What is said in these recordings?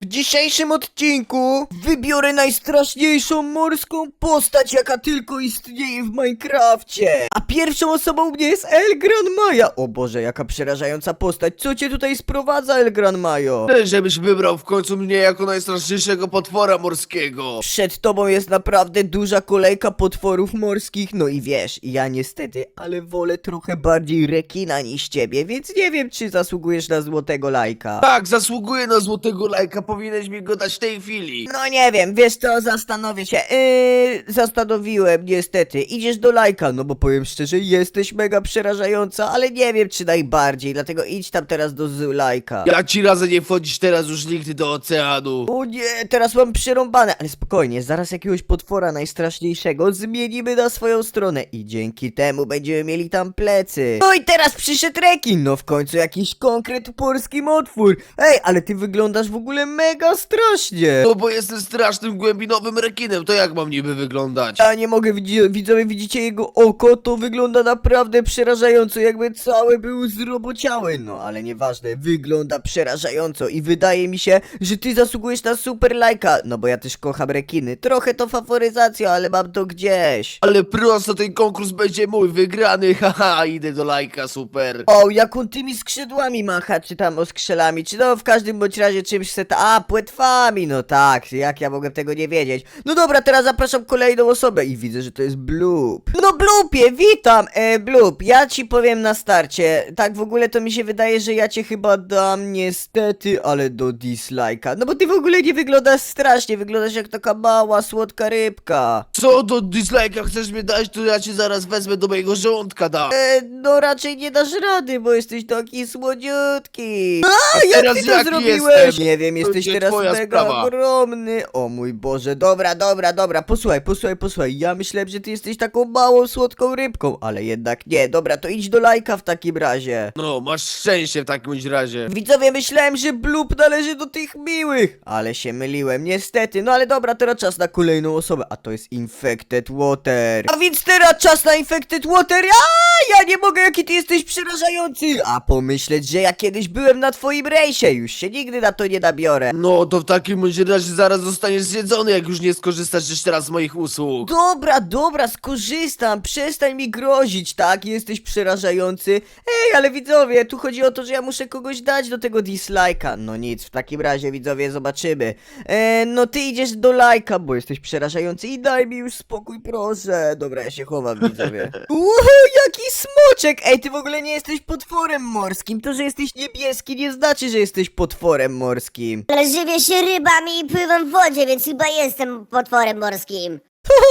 dzisiejszym odcinku wybiorę najstraszniejszą morską postać, jaka tylko istnieje w Minecrafcie. A pierwszą osobą mnie jest El Gran Maja. O Boże, jaka przerażająca postać. Co cię tutaj sprowadza, El Gran Majo? Żebyś wybrał w końcu mnie jako najstraszniejszego potwora morskiego. Przed tobą jest naprawdę duża kolejka potworów morskich. No i wiesz, ja niestety, ale wolę trochę bardziej rekina niż ciebie, więc nie wiem, czy zasługujesz na złotego lajka. Tak, zasługuję na złotego lajka, powinieneś mi go dać w tej chwili. No nie wiem, wiesz co, zastanowię się. Zastanowiłem, niestety. Idziesz do lajka, no bo powiem szczerze, jesteś mega przerażająca, ale nie wiem, czy najbardziej, dlatego idź tam teraz do lajka. Ja ci radzę nie wchodzić teraz już nigdy do oceanu. O nie, teraz mam przerąbane, ale spokojnie, zaraz jakiegoś potwora najstraszniejszego zmienimy na swoją stronę i dzięki temu będziemy mieli tam plecy. No i teraz przyszedł rekin, no w końcu jakiś konkret polski otwór. Ej, ale ty wyglądasz w ogóle mega strasznie. No bo jestem strasznym głębinowym rekinem, to jak mam niby wyglądać? Ja nie mogę, widzowie, widzicie jego oko? To wygląda naprawdę przerażająco, jakby cały był zrobociały. No, ale nieważne, wygląda przerażająco i wydaje mi się, że ty zasługujesz na super lajka. No bo ja też kocham rekiny. Trochę to faworyzacja, ale mam to gdzieś. Ale prosto ten konkurs będzie mój, wygrany, haha, idę do lajka, super. O, jak on tymi skrzydłami macha, czy tam oskrzelami, czy no w każdym bądź razie czymś płetwami, no tak, jak ja mogę tego nie wiedzieć. No dobra, teraz zapraszam kolejną osobę i widzę, że to jest Bloop. No Bloopie, witam, Bloop, ja ci powiem na starcie, tak w ogóle to mi się wydaje, że ja cię chyba dam niestety, ale do dislike'a, no bo ty w ogóle nie wyglądasz strasznie, wyglądasz jak taka mała, słodka rybka. Co do dislike'a chcesz mnie dać, to ja cię zaraz wezmę do mojego żołądka dam. No raczej nie dasz rady, bo jesteś taki słodziutki. A, jak teraz ty to jaki zrobiłeś? jestem? Nie wiem, jesteś Będzie teraz twoja mega sprawa. ogromny. O mój Boże, dobra, posłuchaj. Ja myślałem, że ty jesteś taką małą, słodką rybką, ale jednak nie. Dobra, to idź do lajka w takim razie. No, masz szczęście w takim razie. Widzowie, myślałem, że Bloop należy do tych miłych, ale się myliłem, niestety. No ale dobra, teraz czas na kolejną osobę, a to jest Infected Water. A więc teraz czas na Infected Water. Ja nie mogę, jaki ty jesteś przerażający. A pomyśleć, że ja kiedyś byłem na twoim rejsie, już się nigdy na to nie nabiorę. No, to w takim razie zaraz zostaniesz zjedzony, jak już nie skorzystasz jeszcze raz z moich usług. Dobra, skorzystam, przestań mi grozić, tak? Jesteś przerażający. Ej, ale widzowie, tu chodzi o to, że ja muszę kogoś dać do tego dislike'a. No nic, w takim razie, widzowie, zobaczymy. No ty idziesz do lajka, bo jesteś przerażający i daj mi już spokój, proszę. Dobra, ja się chowam, widzowie. Jaki smoczek! Ej, ty w ogóle nie jesteś potworem morskim. To, że jesteś niebieski, nie znaczy, że jesteś potworem morskim. Ale żywię się rybami i pływam w wodzie, więc chyba jestem potworem morskim.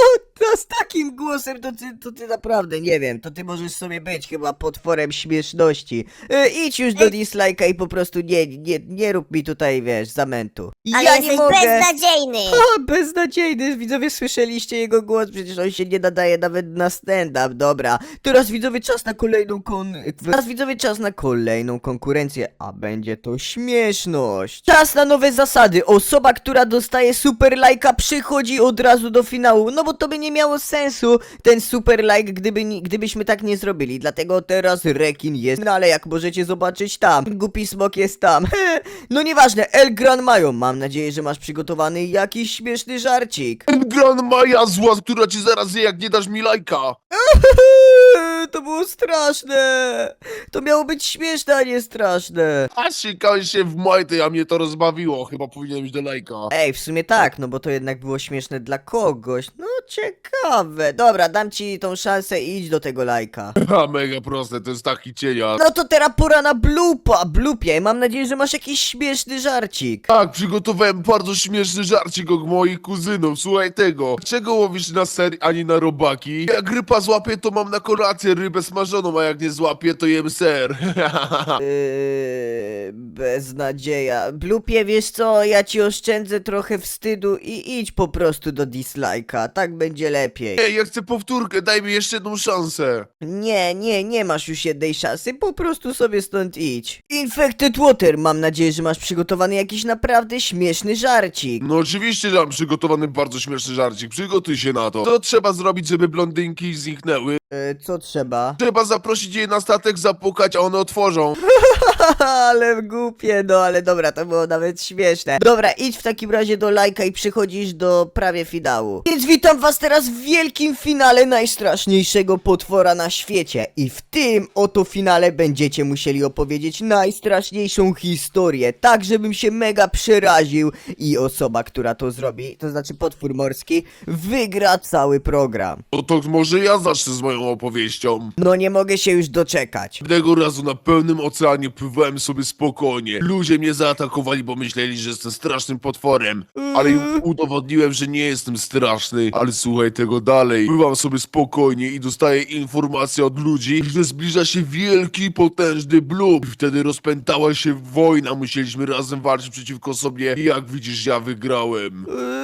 To z takim głosem to ty naprawdę, nie wiem, to ty możesz sobie być chyba potworem śmieszności. Idź już do dislike'a i po prostu nie rób mi tutaj, wiesz, zamętu. Ale Ja jesteś nie mogę. beznadziejny. Beznadziejny, widzowie, słyszeliście jego głos, przecież on się nie nadaje nawet na stand-up, dobra. Teraz widzowie czas na kolejną konkurencję, a będzie to śmieszność. Czas na nowe zasady, osoba, która dostaje super lajka przychodzi od razu do finału, no bo to by nie miało sensu, ten super like, gdybyśmy tak nie zrobili, dlatego teraz rekin jest, no ale jak możecie zobaczyć tam, głupi smok jest tam, no nieważne, El Gran Majo, mam nadzieję, że masz przygotowany jakiś śmieszny żarcik. Gran Maja zła, która ci zaraz zje, jak nie dasz mi lajka. To było straszne, to miało być śmieszne, a nie straszne. A sikałeś się w majty, a mnie to rozbawiło. Chyba powinienem iść do lajka. Ej, w sumie tak, no bo to jednak było śmieszne dla kogoś, no ciekawe, dobra, dam ci tą szansę i idź do tego lajka. Ha, mega proste, to jest taki cienia. No to teraz pora na Bloopie, mam nadzieję, że masz jakiś śmieszny żarcik. Tak, przygotowałem bardzo śmieszny żarcik od moich kuzynów. Słuchaj tego. Czego łowisz na ser, a nie na robaki? Jak ryba złapie, to mam na kolację rybę smażoną, a jak nie złapie, to jem ser. Beznadzieja. Bloopie, wiesz co, ja ci oszczędzę trochę wstydu i idź po prostu do dislike'a, tak będzie lepiej. Ej, ja chcę powtórkę, daj mi jeszcze jedną szansę. Nie masz już jednej szansy, po prostu sobie stąd idź. Infected Water, mam nadzieję, że masz przygotowany jakiś naprawdę śmieszny żarcik. No oczywiście, że mam przygotowany bardzo śmieszny żarcik, przygotuj się na to. Co trzeba zrobić, żeby blondynki zniknęły? Co trzeba? Trzeba zaprosić je na statek, zapukać, a one otworzą. Ale głupie, no ale dobra, to było nawet śmieszne. Dobra, idź w takim razie do lajka i przechodzisz do prawie finału. Więc witam was teraz w wielkim finale najstraszniejszego potwora na świecie. I w tym oto finale będziecie musieli opowiedzieć najstraszniejszą historię, tak żebym się mega przeraził i osoba, która to zrobi, to znaczy potwór morski, wygra cały program. No to może ja zacznę z moją opowieścią. No nie mogę się już doczekać. Pewnego razu na pełnym oceanie pływałem sobie spokojnie. Ludzie mnie zaatakowali, bo myśleli, że jestem strasznym potworem. Ale im udowodniłem, że nie jestem straszny. Ale słuchaj tego dalej. Pływam sobie spokojnie i dostaję informację od ludzi, że zbliża się wielki, potężny blub. I wtedy rozpętała się wojna. Musieliśmy razem walczyć przeciwko sobie. I jak widzisz, ja wygrałem.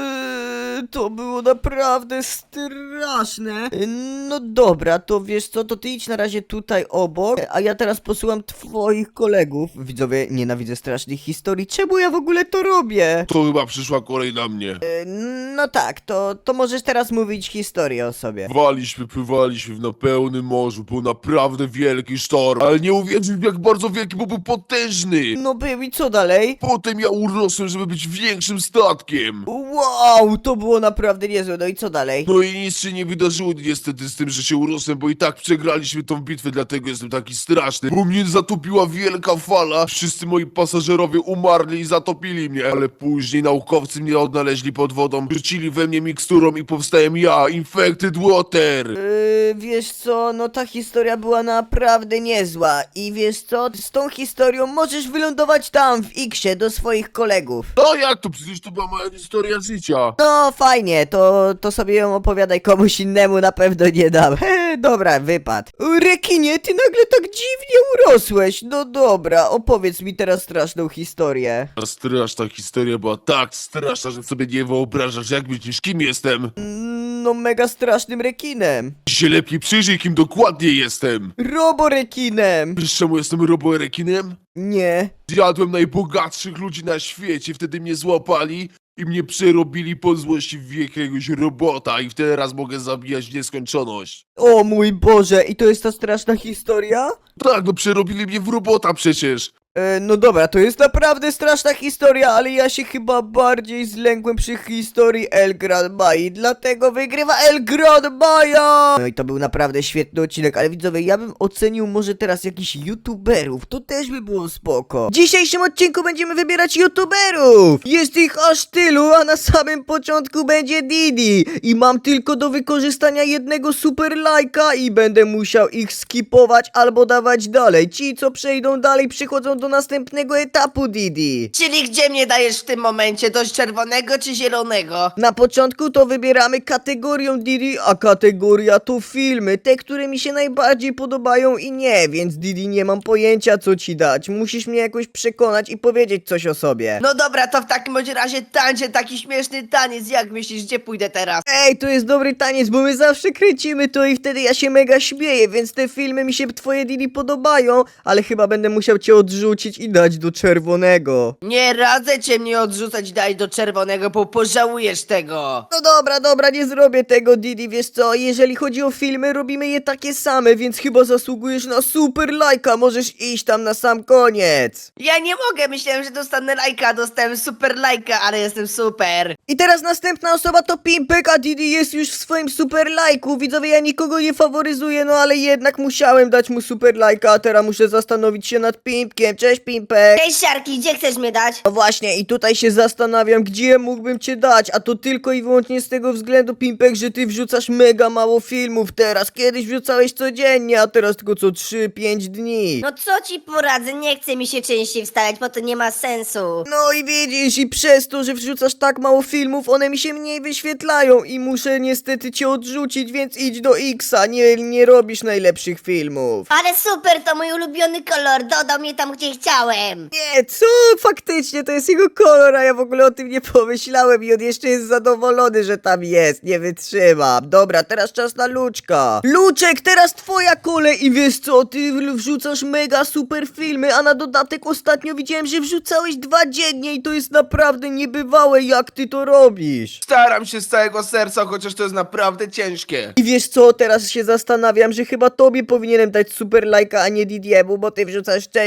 To było naprawdę straszne. No dobra, to wiesz co, to ty idź na razie tutaj obok, a ja teraz posyłam twoich kolegów. Widzowie, nienawidzę strasznych historii. Czemu ja w ogóle to robię? To chyba przyszła kolej na mnie. No tak, to możesz teraz mówić historię o sobie. Pływaliśmy na pełnym morzu, był naprawdę wielki sztorm, ale nie uwierzysz jak bardzo wielki, bo był potężny. No był i co dalej? Potem ja urosłem, żeby być większym statkiem. Wow, to było naprawdę niezłe, no i co dalej? No i nic się nie wydarzyło niestety z tym, że się urosłem, bo i tak przegraliśmy tą bitwę, dlatego jestem taki straszny. Bo mnie zatopiła wielka fala, wszyscy moi pasażerowie umarli i zatopili mnie. Ale później naukowcy mnie odnaleźli pod wodą, rzucili we mnie miksturą i powstałem ja, Infected Water. Wiesz co, no ta historia była naprawdę niezła i wiesz co, z tą historią możesz wylądować tam w X-ie do swoich kolegów. No jak to? Przecież to była moja historia życia. No fajnie, to sobie ją opowiadaj komuś innemu, na pewno nie dam. Dobra, wypad. Rekinie, ty nagle tak dziwnie urosłeś. No dobra, opowiedz mi teraz straszną historię. Ta straszna historia była tak straszna, że sobie nie wyobrażasz, jak myślisz, kim jestem. No mega strasznym rekinem. Się lepiej przyjrzyj, kim dokładnie jestem. Roborekinem. Wiesz czemu jestem roborekinem? Nie. Zjadłem najbogatszych ludzi na świecie, wtedy mnie złapali i mnie przerobili po złości w jakiegoś robota i teraz mogę zabijać w nieskończoność. O mój Boże, i to jest ta straszna historia? Tak, no przerobili mnie w robota przecież. No dobra, to jest naprawdę straszna historia, ale ja się chyba bardziej zlękłem przy historii El Gran Mai, dlatego wygrywa El Gran Maja! No i to był naprawdę świetny odcinek, ale widzowie, ja bym ocenił może teraz jakichś youtuberów, to też by było spoko. W dzisiejszym odcinku będziemy wybierać youtuberów! Jest ich aż tylu, a na samym początku będzie Didi i mam tylko do wykorzystania jednego super lajka i będę musiał ich skipować albo dawać dalej. Ci, co przejdą dalej, przychodzą do następnego etapu, Didi. Czyli gdzie mnie dajesz w tym momencie? Do czerwonego czy zielonego? Na początku to wybieramy kategorię Didi, a kategoria to filmy, te, które mi się najbardziej podobają i nie, więc Didi nie mam pojęcia co ci dać. Musisz mnie jakoś przekonać i powiedzieć coś o sobie. No dobra, to w takim bądź razie tańczę taki śmieszny taniec. Jak myślisz, gdzie pójdę teraz? Ej, to jest dobry taniec, bo my zawsze kręcimy to i wtedy ja się mega śmieję, więc te filmy mi się twoje Didi podobają, ale chyba będę musiał cię odrzucić i dać do czerwonego. Nie radzę cię mnie odrzucać, daj do czerwonego, bo pożałujesz tego. No dobra, nie zrobię tego, Didi, wiesz co, jeżeli chodzi o filmy, robimy je takie same, więc chyba zasługujesz na super lajka, możesz iść tam na sam koniec. Ja nie mogę, myślałem, że dostanę lajka, dostałem super lajka, ale jestem super. I teraz następna osoba to Pimpek, a Didi jest już w swoim super lajku. Widzowie, ja nikogo nie faworyzuję, no ale jednak musiałem dać mu super lajka, a teraz muszę zastanowić się nad Pimpkiem. Cześć, Pimpek. Cześć, Siarki, gdzie chcesz mnie dać? No właśnie, i tutaj się zastanawiam, gdzie mógłbym cię dać, a to tylko i wyłącznie z tego względu, Pimpek, że ty wrzucasz mega mało filmów teraz. Kiedyś wrzucałeś codziennie, a teraz tylko co 3-5 dni. No co ci poradzę, nie chce mi się częściej wstawiać, bo to nie ma sensu. No i widzisz, i przez to, że wrzucasz tak mało filmów, one mi się mniej wyświetlają i muszę niestety cię odrzucić, więc idź do Xa, nie robisz najlepszych filmów. Ale super, to mój ulubiony kolor, dodał mnie tam, gdzie chciałem. Nie, co? Faktycznie, to jest jego kolor, a ja w ogóle o tym nie pomyślałem i on jeszcze jest zadowolony, że tam jest, nie wytrzymam. Dobra, teraz czas na Luczka. Luczek, teraz twoja kolej i wiesz co, ty wrzucasz mega super filmy, a na dodatek ostatnio widziałem, że wrzucałeś 2 dziennie i to jest naprawdę niebywałe, jak ty to robisz. Staram się z całego serca, chociaż to jest naprawdę ciężkie. I wiesz co, teraz się zastanawiam, że chyba tobie powinienem dać super lajka, a nie Didiemu, bo ty wrzucasz częściej,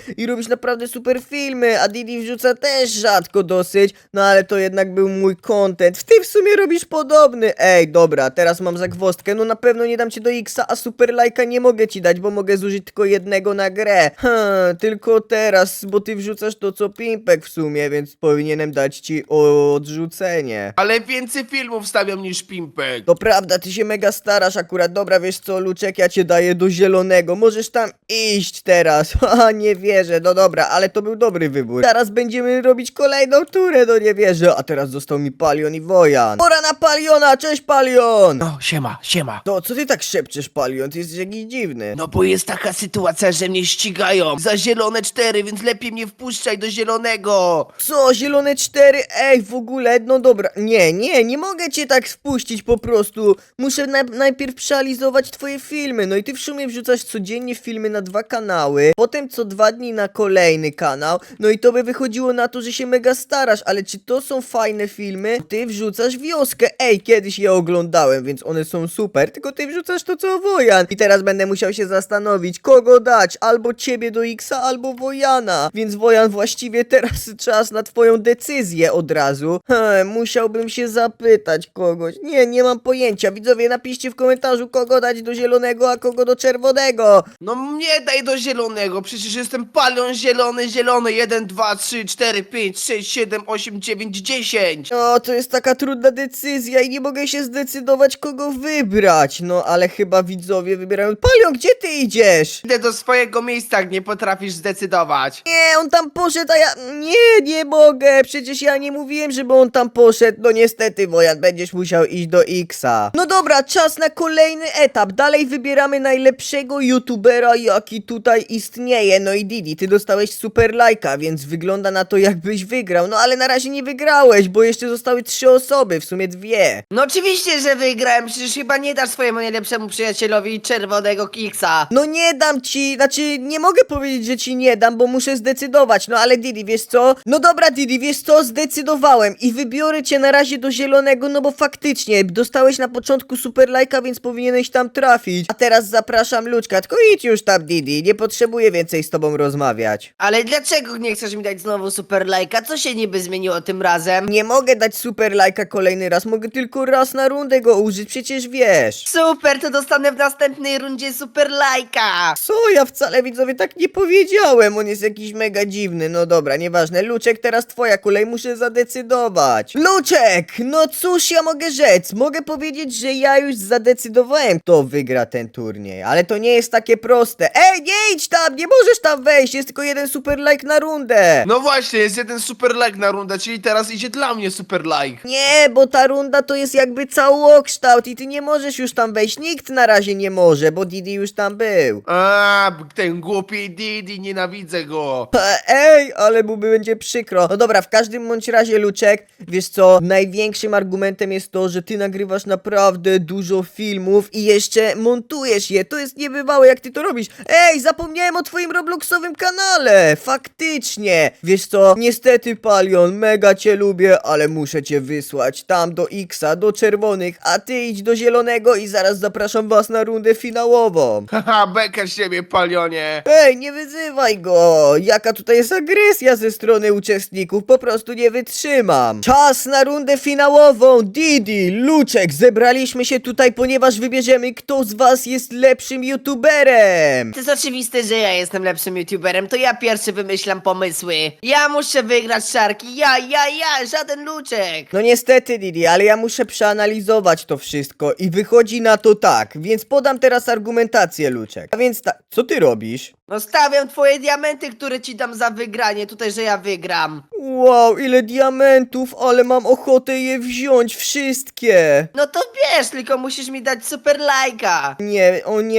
i robisz naprawdę super filmy, a Didi wrzuca też rzadko dosyć, no ale to jednak był mój content. Ty w sumie robisz podobny. Ej, dobra, teraz mam zagwozdkę, no na pewno nie dam cię do X-a, a super lajka nie mogę ci dać, bo mogę zużyć tylko jednego na grę. Tylko teraz, bo ty wrzucasz to co Pimpek w sumie, więc powinienem dać ci odrzucenie. Ale więcej filmów stawiam niż Pimpek. To prawda, ty się mega starasz akurat. Dobra, wiesz co, Luczek, ja cię daję do zielonego. Możesz tam iść teraz. Haha, nie wierzę. No dobra, ale to był dobry wybór. Teraz będziemy robić kolejną turę, no nie wierzę. A teraz został mi Palion i Wojan. Pora na Paliona, cześć Palion! No, siema. To, co ty tak szepczesz, Palion? Ty jesteś jakiś dziwny. No bo jest taka sytuacja, że mnie ścigają za zielone 4, więc lepiej mnie wpuszczaj do zielonego. Co, zielone 4? Ej, w ogóle, no dobra. Nie mogę cię tak wpuścić po prostu. Muszę najpierw przeanalizować twoje filmy. No i ty w sumie wrzucasz codziennie filmy na 2 kanały, potem co 2 dni na kolejny kanał. No i to by wychodziło na to, że się mega starasz, ale czy to są fajne filmy? Ty wrzucasz Wioskę. Ej, kiedyś je oglądałem, więc one są super, tylko ty wrzucasz to co Wojan. I teraz będę musiał się zastanowić, kogo dać, albo ciebie do X-a, albo Wojana. Więc Wojan, właściwie teraz czas na twoją decyzję od razu. Musiałbym się zapytać kogoś. Nie mam pojęcia. Widzowie, napiszcie w komentarzu, kogo dać do zielonego, a kogo do czerwonego. No mnie daj do zielonego, przecież jestem Palion zielony. 1, 2, 3, 4, 5, 6, 7, 8, 9, 10. O, to jest taka trudna decyzja i nie mogę się zdecydować, kogo wybrać. No, ale chyba widzowie wybierają... Palion, gdzie ty idziesz? Idę do swojego miejsca, jak nie potrafisz zdecydować. Nie, on tam poszedł, a ja... Nie mogę. Przecież ja nie mówiłem, żeby on tam poszedł. No niestety, Wojan, będziesz musiał iść do X-a. No dobra, czas na kolejny etap. Dalej wybieramy najlepszego youtubera, jaki tutaj istnieje. No i Didi, ty dostałeś super lajka, więc wygląda na to, jakbyś wygrał. No ale na razie nie wygrałeś, bo jeszcze zostały 3 osoby, w sumie 2. No oczywiście, że wygrałem, przecież chyba nie dasz swojemu najlepszemu przyjacielowi czerwonego kiksa. No nie dam ci, znaczy nie mogę powiedzieć, że ci nie dam, bo muszę zdecydować. No ale Didi, wiesz co? No dobra, Didi, wiesz co? Zdecydowałem i wybiorę cię na razie do zielonego, no bo faktycznie dostałeś na początku super lajka, więc powinieneś tam trafić. A teraz zapraszam Luczka, tylko idź już tam, Didi, nie potrzebuję więcej z tobą rozmawiać. Ale dlaczego nie chcesz mi dać znowu super lajka? Co się niby zmieniło tym razem? Nie mogę dać super lajka kolejny raz, mogę tylko raz na rundę go użyć, przecież wiesz. Super, to dostanę w następnej rundzie super lajka. Co? Ja wcale, widzowie, tak nie powiedziałem. On jest jakiś mega dziwny. No dobra, nieważne. Luczek, teraz twoja kolej, muszę zadecydować. Luczek! No cóż ja mogę rzec? Mogę powiedzieć, że ja już zadecydowałem, kto wygra ten turniej. Ale to nie jest takie proste. Ej, nie idź tam! Nie możesz tam wejść! Jest tylko jeden super like na rundę. No właśnie, jest jeden super like na rundę, czyli teraz idzie dla mnie super like. Nie, bo ta runda to jest jakby całokształt i ty nie możesz już tam wejść. Nikt na razie nie może, bo Didi już tam był. A, ten głupi Didi, nienawidzę go. Ej, ale mu będzie przykro. No dobra, w każdym bądź razie, Luczek, wiesz co, największym argumentem jest to, że ty nagrywasz naprawdę dużo filmów i jeszcze montujesz je. To jest niebywałe, jak ty to robisz. Ej, zapomniałem o twoim Robloxowym kanale. Faktycznie. Wiesz co, niestety, Palion, mega cię lubię, ale muszę cię wysłać tam do X-a, do czerwonych, a ty idź do zielonego i zaraz zapraszam was na rundę finałową. Haha, beka z siebie, Palionie. Ej, nie wyzywaj go! Jaka tutaj jest agresja ze strony uczestników, po prostu nie wytrzymam. Czas na rundę finałową! Didi, Luczek, zebraliśmy się tutaj, ponieważ wybierzemy, kto z was jest lepszym youtuberem! To jest oczywiste, że ja jestem lepszym youtuberem, to ja pierwszy wymyślam pomysły. Ja muszę wygrać, Szarki, ja, żaden Luczek. No niestety, Didi, ale ja muszę przeanalizować to wszystko i wychodzi na to tak, więc podam teraz argumentację, Luczek. A więc tak, co ty robisz? No stawiam twoje diamenty, które ci dam za wygranie, tutaj, że ja wygram. Wow, ile diamentów, ale mam ochotę je wziąć wszystkie! No to bierz, tylko musisz mi dać super lajka. Nie,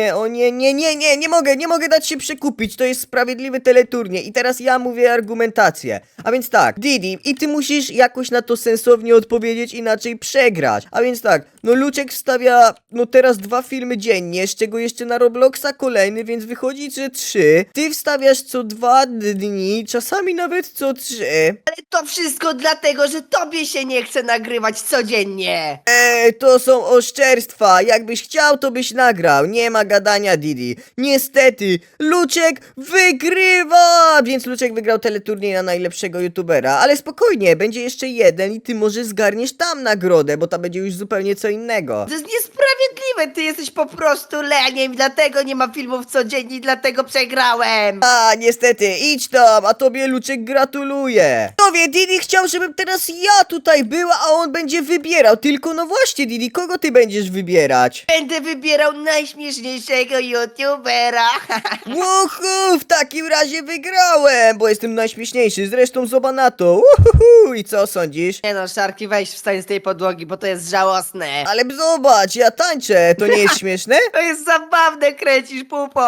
nie mogę dać się przekupić, to jest sprawiedliwy teleturniej i teraz ja mówię argumentację. A więc tak, Didi, i ty musisz jakoś na to sensownie odpowiedzieć, inaczej przegrać. A więc tak, no Luczek wstawia, no teraz 2 filmy dziennie, z czego jeszcze na Robloxa kolejny, więc wychodzi, że 3 3, ty wstawiasz co 2 dni, czasami nawet co 3. Ale to wszystko dlatego, że tobie się nie chce nagrywać codziennie. To są oszczerstwa. Jakbyś chciał, to byś nagrał. Nie ma gadania, Didi. Niestety, Luczek wygrywa! Więc Luczek wygrał teleturniej na najlepszego youtubera. Ale spokojnie, będzie jeszcze jeden i ty może zgarniesz tam nagrodę, bo to będzie już zupełnie co innego. To jest niesprawiedliwe, ty jesteś po prostu leniem i dlatego nie ma filmów codziennie i dlatego przegrałem. A, niestety, idź tam, a tobie Luczek gratuluje. Tobie, Didi chciał, żebym teraz ja tutaj była, a on będzie wybierał. Tylko no właśnie, Didi, kogo ty będziesz wybierać? Będę wybierał najśmieszniejszego youtubera. Łuhu, w takim razie wygrałem, bo jestem najśmieszniejszy, zresztą zobacz na to. Uhuhu. I co sądzisz? Nie no, Szarki, weź wstań z tej podłogi, bo to jest żałosne. Ale zobacz, ja tańczę, to nie jest śmieszne? To jest zabawne, kręcisz pupą.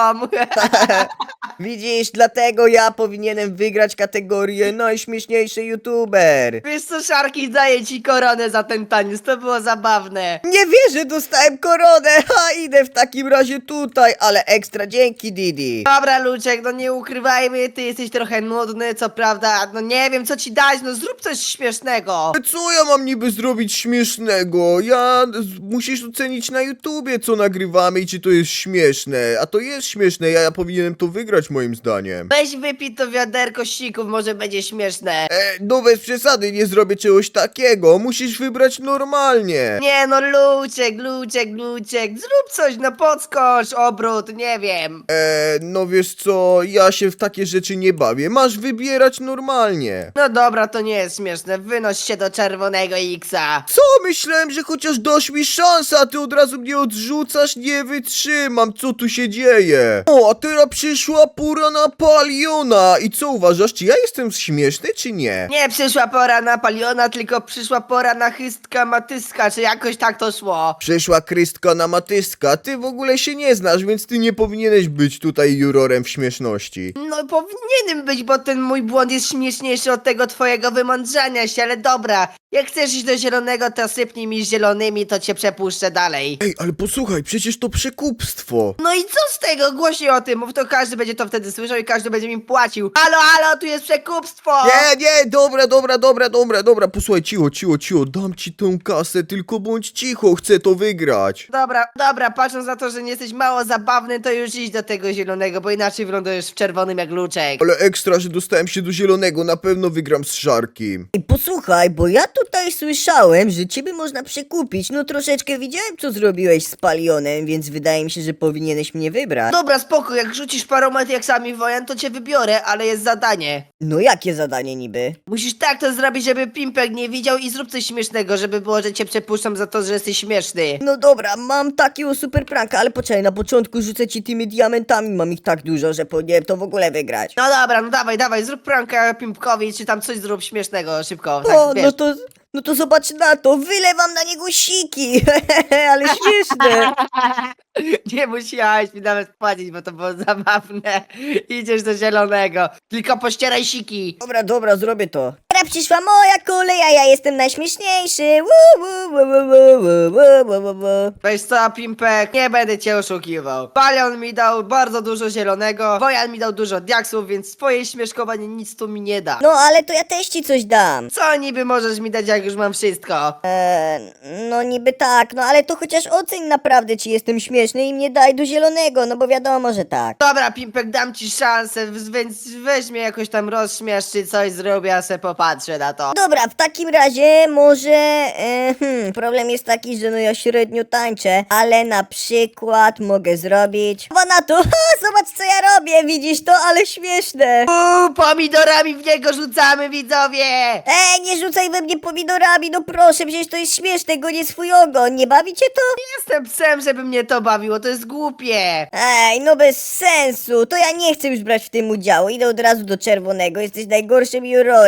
Widzisz, dlatego ja powinienem wygrać kategorię najśmieszniejszy youtuber. Wiesz co, Szarki, daję ci koronę za ten taniec, to było zabawne. Nie wierzę, dostałem koronę, ha, idę w takim razie tutaj, ale ekstra dzięki, Didi. Dobra, Luczek, no nie ukrywajmy, ty jesteś trochę nudny, co prawda, no nie wiem, co ci dać, no zrób coś śmiesznego. Co ja mam niby zrobić śmiesznego? Musisz ocenić na YouTubie, co nagrywamy i czy to jest śmieszne. A to jest śmieszne, ja powinienem to wygrać moim zdaniem. Weź wypij to wiaderko sików, może będzie śmieszne. No bez przesady, nie zrobię czegoś takiego. Musisz wybrać normalnie. Nie no, Luczek, zrób coś, no podskocz, obrót, nie wiem. No wiesz co, ja się w takie rzeczy nie bawię. Masz wybierać normalnie. No dobra, to nie jest śmieszne, wynoś się do czerwonego X-a. Co? Myślałem, że chociaż dasz mi szansę, a ty od razu mnie odrzucasz? Nie wytrzymam, co tu się dzieje? O, a teraz przyszła pora na Paliona. I co uważasz, czy ja jestem śmieszny, czy nie? Nie przyszła pora na Paliona, tylko przyszła pora na Chystka Matyska, czy jakoś tak to szło. Przyszła Krystka na Matyska, ty w ogóle się nie znasz, więc ty nie powinieneś być tutaj jurorem w śmieszności. No powinienem być, bo ten mój błąd jest śmieszniejszy od tego twojego wymądrzania się, ale dobra. Jak chcesz iść do zielonego, to sypnij mi zielonymi, to cię przepuszczę dalej. Ej, ale posłuchaj, przecież to przekupstwo. No i co z tego? Głośniej o tym, mów, to każdy będzie to wtedy słyszał i każdy będzie mi płacił. Halo, tu jest przekupstwo! Nie, dobra, posłuchaj, cicho, dam ci tę kasę, tylko bądź cicho, chcę to wygrać. Dobra, patrząc na to, że nie jesteś mało zabawny, to już idź do tego zielonego, bo inaczej wylądujesz w czerwonym jak Luczek. Ale ekstra, że dostałem się do zielonego, na pewno wygram z Szarkiem. Ej, posłuchaj, bo ja tutaj słyszałem, że ciebie można przekupić. No troszeczkę widziałem, co zrobiłeś z Palionem, więc wydaje mi się, że powinieneś mnie wybrać. Dobra, spoko, jak rzucisz paroma diaksami wojan, to cię wybiorę, ale jest zadanie. No jakie zadanie niby? Musisz tak to zrobić, żeby Pimpek nie widział i zrób coś śmiesznego, żeby było, że cię przepuszczam za to, że jesteś śmieszny. No dobra, mam takiego super pranka, ale poczekaj, na początku rzucę ci tymi diamentami, mam ich tak dużo, że powinienem to w ogóle wygrać. No dobra, no dawaj, zrób pranka Pimpkowi, czy tam coś zrób śmiesznego, szybko. O, Tak, wiesz. no to zobacz na to, wylewam na niego siki, ale śmieszne. Nie musiałeś mi nawet płacić, bo to było zabawne. Idziesz do zielonego, tylko pościeraj siki. Dobra, zrobię to. Teraz przyszła moja kolej, a ja jestem najśmieszniejszy. Wu, wu, wu, wu, wu, wu, wu, wu, wu. Weź co, Pimpek, nie będę cię oszukiwał. Palion mi dał bardzo dużo zielonego, Wojan mi dał dużo diaksów, więc twoje śmieszkowanie nic tu mi nie da. No ale to ja też ci coś dam. Co niby możesz mi dać, jak już mam wszystko? No niby tak, no ale to chociaż oceń naprawdę, czy jestem śmieszny i mnie daj do zielonego, no bo wiadomo, że tak. Dobra, Pimpek, dam ci szansę, więc weź mnie jakoś tam rozśmiesz, czy coś zrobię, a se popatrzę na to. Dobra, w takim razie może... problem jest taki, że no ja średnio tańczę, ale na przykład mogę zrobić... Bo na to, zobacz co ja robię, widzisz to, ale śmieszne. Pomidorami w niego rzucamy, widzowie! Nie rzucaj we mnie pomidorami, no proszę, przecież to jest śmieszne, go nie swój ogon, nie bawicie to? Jestem psem, żeby mnie to bawiło, to jest głupie. Ej, no bez sensu, to ja nie chcę już brać w tym udziału, idę od razu do czerwonego, jesteś najgorszym jurorem,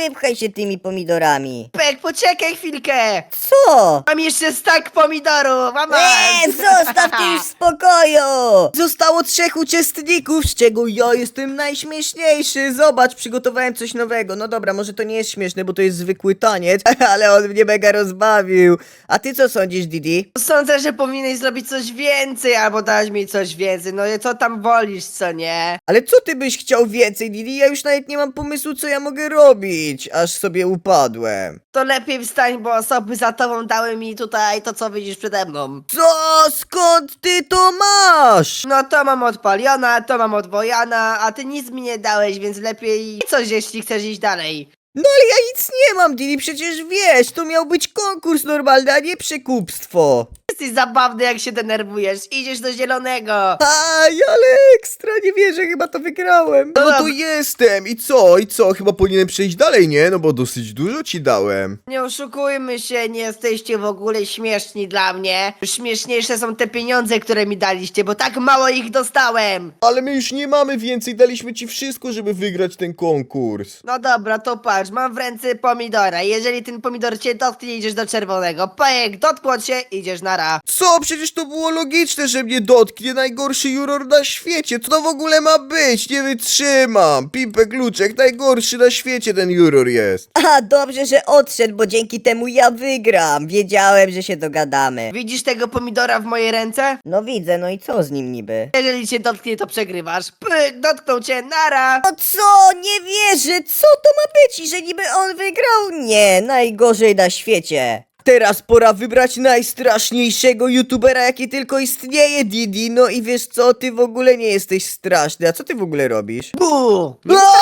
wypchaj się tymi pomidorami. Pek, poczekaj chwilkę. Co? Mam jeszcze stak pomidorów, mama. Zostaw ty już w spokoju! Zostało 3 uczestników, z czego ja jestem najśmieszniejszy. Zobacz, przygotowałem coś nowego. No dobra, może to nie jest śmieszne, bo to jest zwykły taniec, ale on mnie mega rozbawił. A ty co sądzisz, Didi? Sądzę, że powinieneś zrobić coś więcej, albo dać mi coś więcej. No i co tam wolisz, co nie? Ale co ty byś chciał więcej, Didi? Ja już nawet nie mam pomysłu, co ja mogę robić, aż sobie upadłem. To lepiej wstań, bo osoby za tobą dały mi tutaj to, co widzisz przede mną. Co? Skąd ty to masz? No to mam od Paliona, to mam od Wojana, a ty nic mi nie dałeś, więc lepiej coś, jeśli chcesz iść dalej. No ale ja nic nie mam, Didi, przecież wiesz, to miał być konkurs normalny, a nie przekupstwo. Jesteś zabawny, jak się denerwujesz. Idziesz do zielonego. Aj, ale ekstra, nie wierzę, chyba to wygrałem. No to jestem. I co? I co? Chyba powinienem przejść dalej, nie? No bo dosyć dużo ci dałem. Nie oszukujmy się, nie jesteście w ogóle śmieszni dla mnie. Śmieszniejsze są te pieniądze, które mi daliście, bo tak mało ich dostałem. Ale my już nie mamy więcej, daliśmy ci wszystko, żeby wygrać ten konkurs. No dobra, to patrz, mam w ręce pomidora. Jeżeli ten pomidor cię dotknie, idziesz do czerwonego. Pajek, dotkło cię, idziesz na ra. Co? Przecież to było logiczne, że mnie dotknie najgorszy juror na świecie. Co to w ogóle ma być? Nie wytrzymam. Pimpek Luczek, najgorszy na świecie ten juror jest. A, dobrze, że odszedł, bo dzięki temu ja wygram. Wiedziałem, że się dogadamy. Widzisz tego pomidora w mojej ręce? No widzę, no i co z nim niby? Jeżeli cię dotknie, to przegrywasz. Pyk, dotknął cię, nara. No co? Nie wierzę! Co to ma być? I że niby on wygrał? Nie, najgorzej na świecie. Teraz pora wybrać najstraszniejszego youtubera, jaki tylko istnieje, Didi. No i wiesz co, ty w ogóle nie jesteś straszny. A co ty w ogóle robisz? Bu!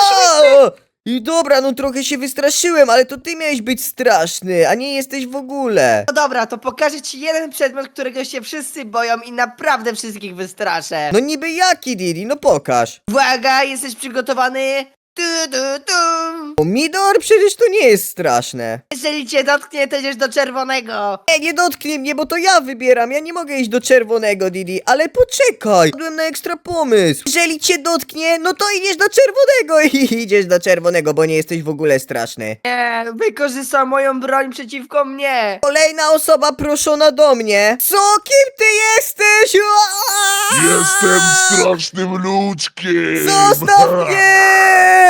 I dobra, no trochę się wystraszyłem, ale to ty miałeś być straszny, a nie jesteś w ogóle. No dobra, to pokażę ci jeden przedmiot, którego się wszyscy boją i naprawdę wszystkich wystraszę. No niby jaki, Didi? No pokaż. Uwaga, jesteś przygotowany? Tu, tu, tu. Pomidor? Przecież to nie jest straszne. Jeżeli cię dotknie, to idziesz do czerwonego. Nie dotknij mnie, bo to ja wybieram. Ja nie mogę iść do czerwonego, Didi. Ale poczekaj. Padłem na ekstra pomysł. Jeżeli cię dotknie, no to idziesz do czerwonego i idziesz do czerwonego, bo nie jesteś w ogóle straszny. Nie, wykorzystał moją broń przeciwko mnie. Kolejna osoba proszona do mnie. Co? Kim ty jesteś? Jestem strasznym ludzkiem! Zostaw mnie!